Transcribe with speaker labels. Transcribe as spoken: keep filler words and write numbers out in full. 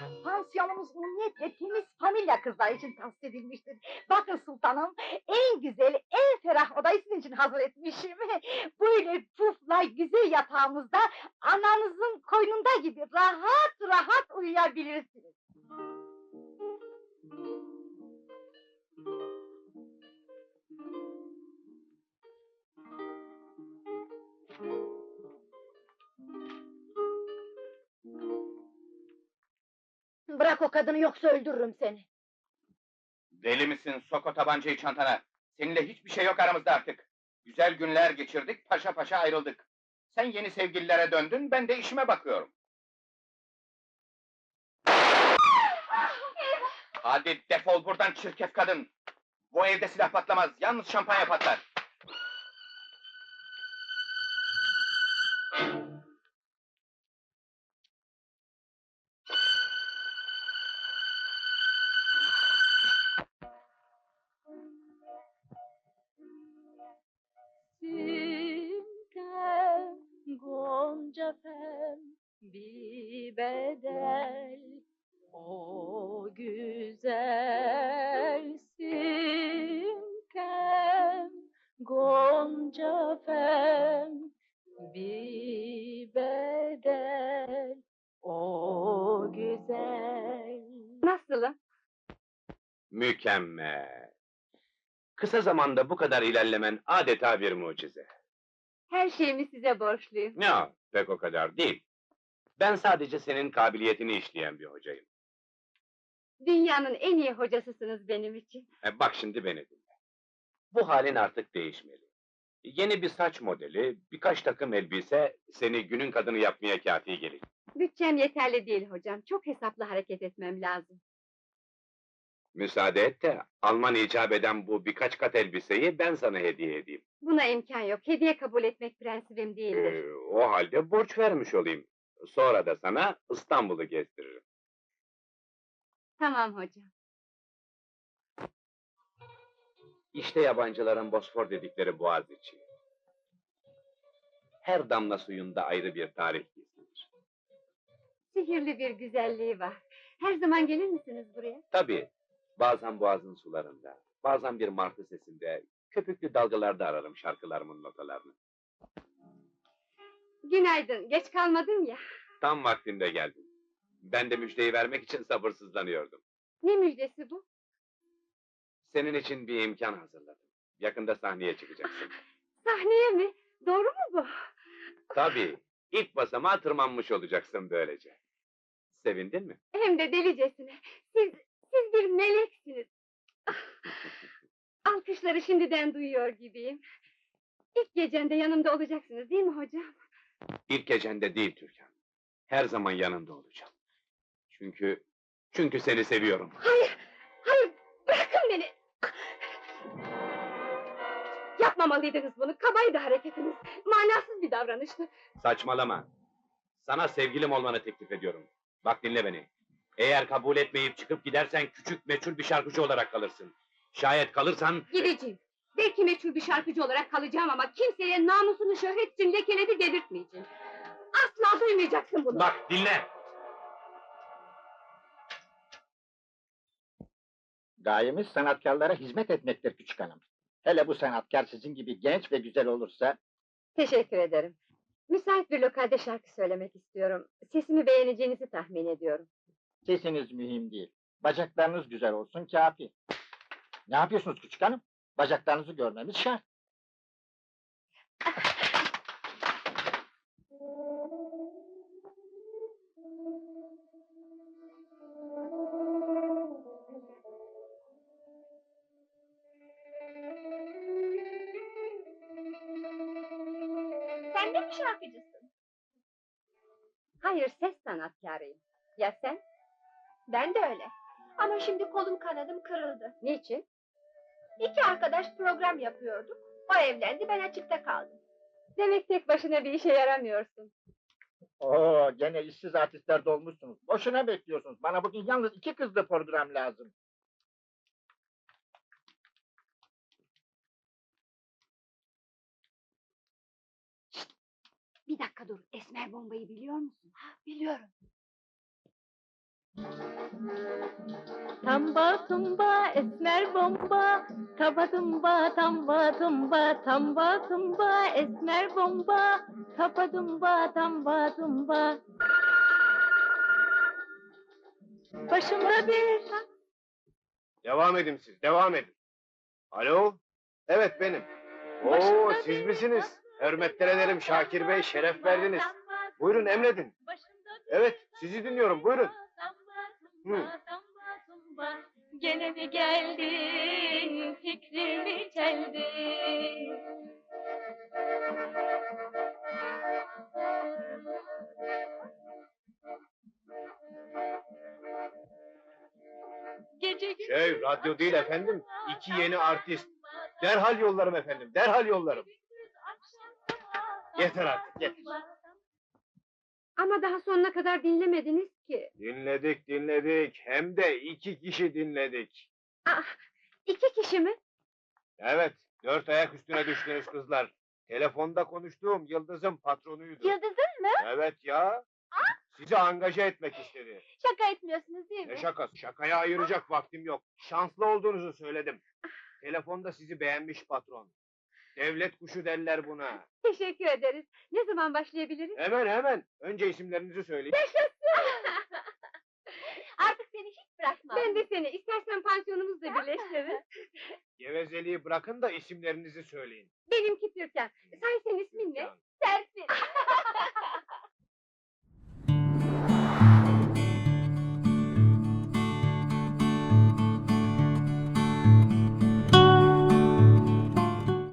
Speaker 1: Pansiyonumuz umniyetle temiz familya kızlar için tahsis edilmiştir. Bakın sultanım, en güzel, en ferah odayı sizin için hazır etmişim. Böyle pufla güzel yatağımızda, ananızın koynunda gibi rahat rahat uyuyabilirsiniz. Bırak o kadını, yoksa öldürürüm seni!
Speaker 2: Deli misin? Sok o tabancayı çantana! Seninle hiçbir şey yok aramızda artık! Güzel günler geçirdik, paşa paşa ayrıldık. Sen yeni sevgililere döndün, ben de işime bakıyorum. Hadi defol buradan çirkef kadın! Bu evde silah patlamaz, yalnız şampanya patlar!
Speaker 1: Simten gonca pem bir bedel, o güzel simten gonca pem bir bedel, o güzel. Nasılım?
Speaker 3: Mükemmel! Kısa zamanda bu kadar ilerlemen adeta bir mucize.
Speaker 1: Her şeyimi size borçluyum.
Speaker 3: Ya, pek o kadar değil. Ben sadece senin kabiliyetini işleyen bir hocayım.
Speaker 1: Dünyanın en iyi hocasısınız benim için.
Speaker 3: E, bak şimdi beni dinle. Bu halin artık değişmeli. Yeni bir saç modeli, birkaç takım elbise seni günün kadını yapmaya kâfi gelir.
Speaker 1: Bütçem yeterli değil hocam, çok hesaplı hareket etmem lazım.
Speaker 3: Müsaade et de Alman icap eden bu birkaç kat elbiseyi ben sana hediye edeyim.
Speaker 1: Buna imkan yok, hediye kabul etmek prensibim değildir.
Speaker 3: Ee, o halde borç vermiş olayım. Sonra da sana İstanbul'u gezdiririm.
Speaker 1: Tamam hocam.
Speaker 3: İşte yabancıların Bosfor dedikleri Boğaziçi. Her damla suyunda ayrı bir tarih gizlidir.
Speaker 1: Sihirli bir güzelliği var. Her zaman gelir misiniz buraya?
Speaker 3: Tabii, bazen boğazın sularında, bazen bir martı sesinde, köpüklü dalgalarda ararım şarkılarımın notalarını.
Speaker 1: Günaydın, geç kalmadın ya.
Speaker 3: Tam vaktinde geldin. Ben de müjdeyi vermek için sabırsızlanıyordum.
Speaker 1: Ne müjdesi bu?
Speaker 3: Senin için bir imkan hazırladım. Yakında sahneye çıkacaksın.
Speaker 1: Sahneye mi? Doğru mu bu?
Speaker 3: Tabii, ilk basamağa tırmanmış olacaksın böylece. Sevindin mi?
Speaker 1: Hem de delicesine. Siz, siz bir meleksiniz. Ah, alkışları şimdiden duyuyor gibiyim. İlk gecende yanımda olacaksınız değil mi hocam?
Speaker 3: İlk gecende değil Türkan. Her zaman yanında olacağım. Çünkü, çünkü seni seviyorum.
Speaker 1: Hayır, hayır, bırakın beni! Yapmamalıydınız bunu, kabaydı hareketiniz. Manasız bir davranıştı.
Speaker 3: Saçmalama. Sana sevgilim olmanı teklif ediyorum. Bak dinle beni. Eğer kabul etmeyip çıkıp gidersen küçük meçhul bir şarkıcı olarak kalırsın. Şayet kalırsan...
Speaker 1: Gideceğim. Belki meçhul bir şarkıcı olarak kalacağım ama kimseye namusunu şöhret için lekeledi dedirtmeyeceğim. Asla duymayacaksın bunu.
Speaker 3: Bak dinle!
Speaker 4: Gayemiz sanatkarlara hizmet etmektir küçük hanım. Hele bu sanatkar sizin gibi genç ve güzel olursa...
Speaker 1: Teşekkür ederim. Müsait bir lokalde şarkı söylemek istiyorum. Sesimi beğeneceğinizi tahmin ediyorum.
Speaker 4: Sesiniz mühim değil. Bacaklarınız güzel olsun kâfi. Ne yapıyorsunuz küçük hanım? Bacaklarınızı görmemiz şart.
Speaker 1: Sen de mi şarkıcısın? Hayır, ses sanatkarıyım. Ya sen? Ben de öyle. Ama şimdi kolum kanadım kırıldı. Niçin? İki arkadaş program yapıyorduk. O evlendi, ben açıkta kaldım. Demek tek başına bir işe yaramıyorsun.
Speaker 4: Oo, gene işsiz artistler dolmuşsunuz. Boşuna bekliyorsunuz. Bana bugün yalnız iki kızlı program lazım.
Speaker 1: Bir dakika dur, esmer bombayı biliyor musun? Ha, biliyorum. Tamba tumba esmer bomba, taba tumba tamba tumba, tamba tumba esmer bomba, taba tumba tamba tumba. Başımda bir
Speaker 5: Devam edin siz, devam edin. Alo? Evet benim. Oo,
Speaker 1: Başımda
Speaker 5: siz
Speaker 1: bir
Speaker 5: misiniz? Hürmetler ederim Şakir Bey, şeref verdiniz. Buyurun emredin. Evet, sizi dinliyorum, buyurun. Hı.
Speaker 1: Gene mi geldin, fikrimi çeldin? Gece gündüz
Speaker 5: Şey, radyo değil
Speaker 1: akşam
Speaker 5: efendim,
Speaker 1: sabah,
Speaker 5: iki yeni
Speaker 1: sabah,
Speaker 5: artist.
Speaker 1: sabah,
Speaker 5: Derhal yollarım efendim, derhal yollarım.
Speaker 1: akşam sabah,
Speaker 5: Yeter artık, yeter.
Speaker 1: sabah. Ama daha sonuna kadar dinlemediniz ki.
Speaker 5: Dinledik, dinledik. Hem de iki kişi dinledik.
Speaker 1: Ah, iki kişi mi?
Speaker 5: Evet, dört ayak üstüne düştünüz kızlar. Telefonda konuştuğum Yıldız'ın patronuydu.
Speaker 1: Yıldız'ın mı?
Speaker 5: Evet ya. Sizi angaje etmek istedi.
Speaker 1: Şaka etmiyorsunuz değil mi?
Speaker 5: Ne şakası? Şakaya ayıracak vaktim yok. Şanslı olduğunuzu söyledim. Telefonda sizi beğenmiş patron. Devlet kuşu derler buna.
Speaker 1: Teşekkür ederiz. Ne zaman başlayabiliriz?
Speaker 5: Hemen hemen. Önce isimlerinizi söyleyin.
Speaker 1: Artık seni hiç bırakmam. Ben de seni. İstersen pansiyonumuzla birleştiririz.
Speaker 5: Gevezeliği bırakın da isimlerinizi söyleyin.
Speaker 1: Benimki Türkan. Say senin ismin ne?
Speaker 5: Türkan.
Speaker 1: Serpil.